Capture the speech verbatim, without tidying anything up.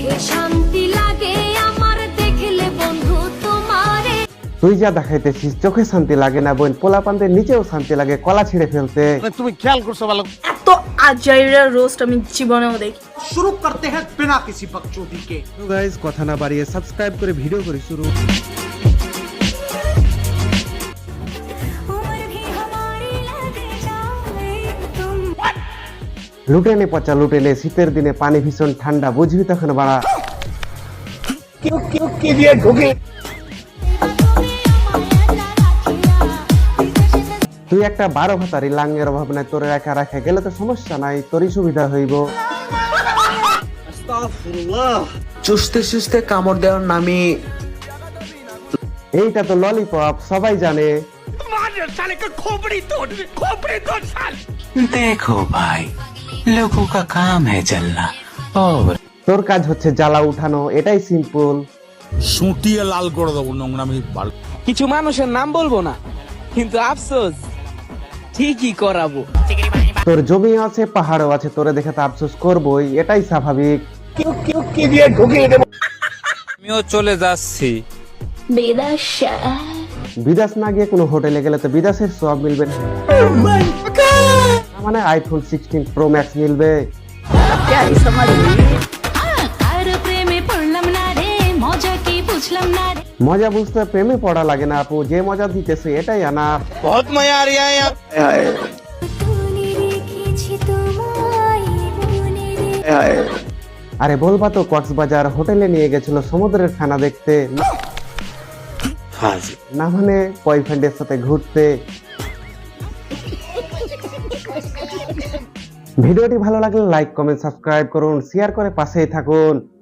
চোখে শান্তি লাগে আমার দেখলে বন্ধু তোমারে। তুই যা দেখাইতেছিস চোখে শান্তি লাগে না বোন, পোলাপানদের নিচেও শান্তি লাগে কলা ছিঁড়ে ফেলতে। তুমি খেয়াল করছো ভালো? এত আজাইরা রোস্ট আমি জীবনেও দেখি। शुरू करते हैं बिना किसी बकचोदी के। তো গাইস কথা না বাড়িয়ে সাবস্ক্রাইব করে ভিডিও করি শুরু। লুটেনে পচা লুটেনে, শীতের দিনে পানি ভীষণ ঠান্ডা, বুঝবি তখন বাড়া। তুই একটা বারো ভাতারি লাঙ্গের অভাব নাই, তোরে একা রাখা গেলে তো সমস্যা নাই, তোরই সুবিধা হইব। চুষতে চুষতে কামড় দেওয়ার নামে এইটা তো ললিপপ, সবাই জানে। देखो भाई, लोगों का काम है जलना और তোর কাজ হচ্ছে জ্বালা উঠানো, এটাই সিম্পল। সুটিয়ে লাল করে দেবো নোংরামি। কিছু মানুষের নাম বলবো না, কিন্তু আফসোস ঠিকই করাবো। তোর জমি আছে পাহাড়ও আছে, তোরে দেখে তো আফসোস করবই, এটাই স্বাভাবিক। আমিও চলে যাচ্ছি। বিদেশে বিদেশ না গিয়ে কোনো হোটেলে গেলে তো বিদেশের সব মিলবে না। মানে আইফোন সিক্সটিন প্রো ম্যাক্স মিলবে। আর প্রেমে পড়লাম না রে, মজা কি বুঝলাম না রে। মজা বুঝতে প্রেমে পড়া লাগে না আপু, যে মজা দিতেছে এটাই আনা। বহুত মজা আ রিয়া হ্যায়। আরে বলবা তো কক্সবাজার হোটেলে নিয়ে গেছিল সমুদ্রের ফেনা দেখতে, না মানে বয়ফ্রেন্ডের সাথে ঘুরতে। ভিডিওটি ভালো লাগলে লাইক কমেন্ট সাবস্ক্রাইব করুন, শেয়ার করে পাশেই থাকুন।